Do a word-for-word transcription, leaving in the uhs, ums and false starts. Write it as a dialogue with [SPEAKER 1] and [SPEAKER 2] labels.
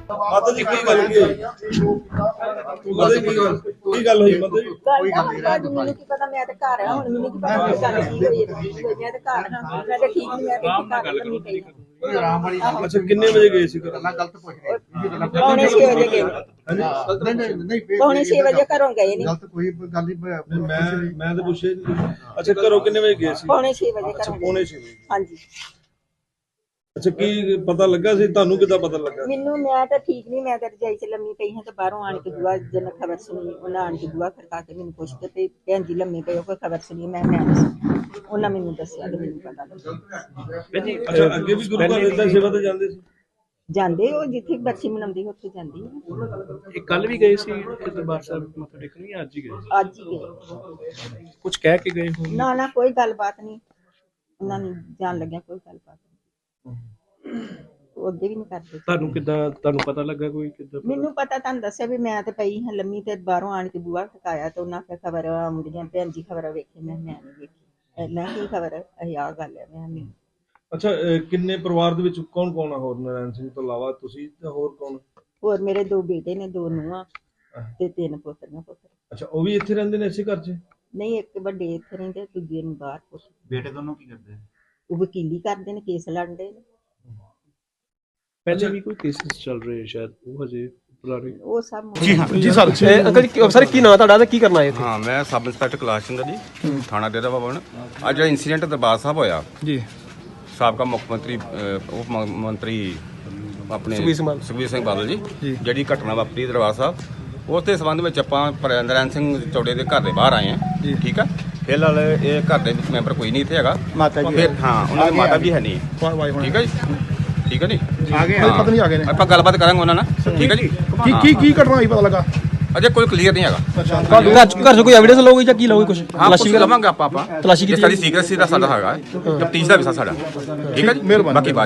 [SPEAKER 1] ਮਾਤਾ ਜੀ ਕੀ ਗੱਲ ਕੀ ਹੋਈ ਮਾਤਾ ਜੀ ਕੀ ਗੱਲ ਕੀ ਗੱਲ ਹੋਈ ਮਾਤਾ ਜੀ
[SPEAKER 2] ਕੋਈ ਗੱਲ ਨਹੀਂ ਰਾਜ ਮੈਨੂੰ ਕੀ ਪਤਾ ਮੈਂ ਤੇ ਘਰ ਆ ਹੁਣ ਮੈਨੂੰ ਕੀ ਪਤਾ ਕੀ ਗੱਲ ਕੀ ਹੋਈ ਹੈ ਮੈਂ ਤੇ ਘਰ ਹਾਂ ਮੈਂ ਤੇ ਠੀਕ ਨਹੀਂ ਮੈਂ ਤੇ ਘਰ ਨਹੀਂ ਪਈ
[SPEAKER 3] ਆਰਾਮ ਵਾਲੀ
[SPEAKER 1] ਅੱਛਾ ਕਿੰਨੇ ਵਜੇ ਗਏ ਸੀ ਘਰ
[SPEAKER 3] ਗੱਲਾਂ ਗਲਤ ਪੁੱਛ ਰਹੇ
[SPEAKER 2] ਪੌਣੇ ਛੇ ਵਜੇ ਗਏ
[SPEAKER 3] ਨਹੀਂ ਨਹੀਂ ਨਹੀਂ
[SPEAKER 2] ਪੌਣੇ ਛੇ ਵਜੇ ਘਰੋਂ ਗਏ ਨਹੀਂ
[SPEAKER 3] ਗਲਤ ਕੋਈ ਗੱਲ ਨਹੀਂ
[SPEAKER 1] ਮੈਂ ਮੈਂ ਤਾਂ ਪੁੱਛਿਆ ਨਹੀਂ ਅੱਛਾ ਘਰੋਂ ਕਿੰਨੇ ਵਜੇ ਗਏ ਸੀ
[SPEAKER 2] ਪੌਣੇ ਛੇ ਵਜੇ
[SPEAKER 1] ਅੱਛਾ
[SPEAKER 2] ਘਰੋਂ
[SPEAKER 1] ਪੌਣੇ ਛੇ ਵਜੇ
[SPEAKER 2] ਹਾਂਜੀ
[SPEAKER 1] ਅੱਛਾ ਕੀ ਪਤਾ ਲੱਗਾ ਸੀ ਤੁਹਾਨੂੰ ਕਿੱਦਾਂ ਪਤਾ ਲੱਗਾ
[SPEAKER 2] ਮੈਨੂੰ ਮੈਂ ਤਾਂ ਠੀਕ ਨਹੀਂ ਮੈਂ ਤਾਂ ਰਜਾਈ ਚ ਲੰਮੀ ਪਈ ਹਾਂ ਤੇ ਬਾਹਰੋਂ ਆਣ ਕੇ ਦੁਆ ਜਨ ਖਬਰ ਸੁਣੀ ਉਹਨਾਂ ਆਣ ਕੇ ਦੁਆ ਖੜਕਾ ਕੇ ਮੈਨੂੰ ਪੁੱਛ ਕੇ ਤੇ ਭੈਣ ਜੀ ਲੰਮੀ ਪਈ ਉਹ ਕੋਈ ਖਬਰ ਸੁਣੀ ਮੈਂ ਮੈਂ ਉਹਨਾਂ ਮੈਨੂੰ ਦੱਸਿਆ ਤੇ ਮੈਨੂੰ ਪਤਾ ਲੱਗਾ
[SPEAKER 1] ਅੱਛਾ ਅੱਗੇ ਵੀ ਗੁਰੂ ਘਰ ਇਦਾਂ ਸੇਵਾ ਤੇ ਜਾਂਦੇ ਸੀ
[SPEAKER 2] ਜਾਂਦੇ ਉਹ ਜਿੱਥੇ ਬਰਸੀ ਮਨਾਉਂਦੀ ਉੱਥੇ ਜਾਂਦੀ ਹੈ
[SPEAKER 4] ਇਹ ਕੱਲ ਵੀ ਗਏ ਸੀ ਦਰਬਾਰ ਸਾਹਿਬ ਮੱਥਾ ਟੇਕਣ ਜਾਂ ਅੱਜ ਹੀ ਗਏ
[SPEAKER 2] ਅੱਜ ਹੀ ਗਏ
[SPEAKER 4] ਕੁਝ ਕਹਿ ਕੇ ਗਏ ਹੋਣ
[SPEAKER 2] ਨਾ ਨਾ ਕੋਈ ਗੱਲਬਾਤ ਨਹੀਂ ਉਹਨਾਂ ਨੂੰ ਜਾਣ ਲੱਗਿਆ ਕੋਈ ਗੱਲਬਾਤ ਨਹੀਂ ਉਹ ਅੱਗੇ ਵੀ ਨਹੀਂ ਕਰਦੇ
[SPEAKER 4] ਤੁਹਾਨੂੰ ਕਿੱਦਾਂ ਤੁਹਾਨੂੰ ਪਤਾ ਲੱਗਾ ਕੋਈ ਕਿੱਦਾਂ
[SPEAKER 2] ਮੈਨੂੰ ਪਤਾ ਤੁਹਾਨੂੰ ਦੱਸਿਆ ਵੀ ਮੈਂ ਤੇ ਪਈ ਹਾਂ ਲੰਮੀ ਤੇ ਬਾਹਰੋਂ ਆਣ ਕੇ ਬੂਹਾ ਖਕਾਇਆ ਤੇ ਉਹਨਾਂ ਫਿਰ ਖਬਰ ਆਉਂਦੀਆਂ ਭੈਣ ਜੀ ਖਬਰ ਵੇਖੀ ਮੈਂ ਮੈਂ ਨਹੀਂ ਵੇਖੀ ਇਹਨਾਂ ਕੀ ਖਬਰ ਇਹ ਆ ਗੱਲ ਹੈ ਮੈਂ ਨਹੀਂ
[SPEAKER 1] ਅੱਛਾ ਕਿੰਨੇ ਪਰਿਵਾਰ ਦੇ ਵਿੱਚ ਕੌਣ ਕੌਣ ਆ ਹੋਰ ਨਾਰਾਇਣ ਸਿੰਘ ਤੋਂ ਇਲਾਵਾ ਤੁਸੀਂ ਤੇ ਹੋਰ ਕੌਣ
[SPEAKER 2] ਹੋਰ ਮੇਰੇ ਦੋ ਬੇਟੇ ਨੇ ਦੋ ਨੂੰਹਾਂ ਤੇ ਤਿੰਨ ਪੁੱਤਰੀਆਂ ਪੁੱਤਰ
[SPEAKER 1] ਅੱਛਾ ਉਹ ਵੀ ਇੱਥੇ ਰਹਿੰਦੇ ਨੇ ਇਸੇ ਘਰ 'ਚ
[SPEAKER 2] ਨਹੀਂ ਇੱਕ ਵੱਡੇ ਇੱਥੇ ਰਹਿੰਦੇ ਦੂਜੇ ਨੂੰ ਬਾਹਰ ਪੁੱਤ
[SPEAKER 3] ਬੇਟੇ ਦੋਨੋਂ ਕੀ ਕਰਦੇ
[SPEAKER 2] ਉਹ ਵਕੀਲੀ ਕਰਦੇ ਨੇ ਕੇਸ ਲੜਦੇ ਨੇ
[SPEAKER 4] ਪਹਿਲੇ ਵੀ ਕੋਈ ਕੇਸਿਸ ਚੱਲ ਰਹੇ ਸ਼ਾਇਦ ਉਹ ਹਜੇ ਪੁਰਾਣੇ
[SPEAKER 2] ਉਹ ਸਭ
[SPEAKER 5] ਜੀ ਹਾਂ ਜੀ ਸਰ ਇਹ ਅੰਕਲ ਜੀ ਸਰ ਕੀ ਨਾਂ ਤੁਹਾਡਾ ਤੇ ਕੀ ਕਰਨਾ ਹੈ
[SPEAKER 6] ਹਾਂ ਮੈਂ ਸਬ ਇੰਸਪੈਕਟਰ ਕੈਲਾਸ਼ ਚੰਦਰ ਜੀ ਥਾਣਾ ਡੇਰਾ ਬਾਬਾ ਬਣ ਅੱਜ ਜਿਹੜਾ ਇਨਸੀਡੈਂਟ ਦਰਬਾਰ ਸਾਹਿਬ ਹੋਇਆ
[SPEAKER 5] ਜੀ
[SPEAKER 6] ਸਾਬਕਾ ਮੁੱਖ ਮੰਤਰੀ ਅਹ, ਉਪ ਮ- ਮੰਤਰੀ ਆਪਣੇ
[SPEAKER 5] ਸੁਖਬੀਰ ਸਿੰਘ ਬਾਦਲ।
[SPEAKER 6] ਸੁਖਬੀਰ ਸਿੰਘ ਬਾਦਲ ਜੀ
[SPEAKER 5] ਜੀ।
[SPEAKER 6] ਜਿਹੜੀ ਘਟਨਾ ਵਾਪਰੀ ਦਰਬਾਰ ਸਾਹਿਬ ਉਸ ਦੇ ਸੰਬੰਧ ਵਿੱਚ ਆਪਾਂ ਪਰ- ਨਰਾਇਣ ਸਿੰਘ ਚੌੜੇ ਦੇ ਘਰ ਦੇ ਬਾਹਰ ਆਏ ਹਾਂ ਠੀਕ ਆ ਫਿਲਹਾਲ ਇਹ ਘਰ ਦੇ ਵਿੱਚ ਮੈਂਬਰ ਕੋਈ ਨਹੀਂ ਇੱਥੇ ਹੈਗਾ
[SPEAKER 3] ਮਾਤਾ ਜੀ
[SPEAKER 6] ਫਿਰ ਹਾਂ ਉਹਨਾਂ ਦੀ ਮਾਤਾ ਵੀ ਹੈ ਨਹੀਂ
[SPEAKER 5] ਵਾਹ ਵਾਹ
[SPEAKER 6] ਠੀਕ ਹੈ ਜੀ ਠੀਕ ਹੈ ਜੀ
[SPEAKER 3] ਆ ਗਏ
[SPEAKER 6] ਹਾਂ।
[SPEAKER 5] ਪਤਾ ਨਹੀਂ ਆ ਗਏ ਨੇ
[SPEAKER 6] ਆਪਾਂ ਗੱਲਬਾਤ ਕਰਾਂਗੇ ਉਹਨਾਂ ਨਾਲ ਠੀਕ ਹੈ ਜੀ
[SPEAKER 5] ਕੀ ਕੀ ਕੀ ਘਟਨਾ ਹੋਈ ਪਤਾ ਲੱਗਾ
[SPEAKER 6] ਅਜੇ ਕੋਈ ਕਲੀਅਰ ਨਹੀਂ ਹੈਗਾ
[SPEAKER 5] ਘਰ ਘਰ ਚ ਕੋਈ ਐਵੀਡੈਂਸ ਲਓਗੇ ਜਾਂ ਕੀ ਲਓਗੇ ਕੁਝ
[SPEAKER 6] ਹਾਂ ਕੁਛ ਲਵਾਂਗੇ ਆਪਾਂ ਆਪਾਂ
[SPEAKER 5] ਤਲਾਸ਼ੀ ਕੀਤੀ
[SPEAKER 6] ਸਾਡੀ ਸੀਕ੍ਰੇਸੀ ਦਾ ਸਾਡਾ ਹੈਗਾ ਤਫਤੀਸ਼ ਦਾ ਵਿਸ਼ਾ ਸਾਡਾ ਠੀਕ ਹੈ ਜੀ
[SPEAKER 5] ਮਿਹਰਬਾਨੀ।
[SPEAKER 6] ਬਾਕੀ ਬਾਅਦ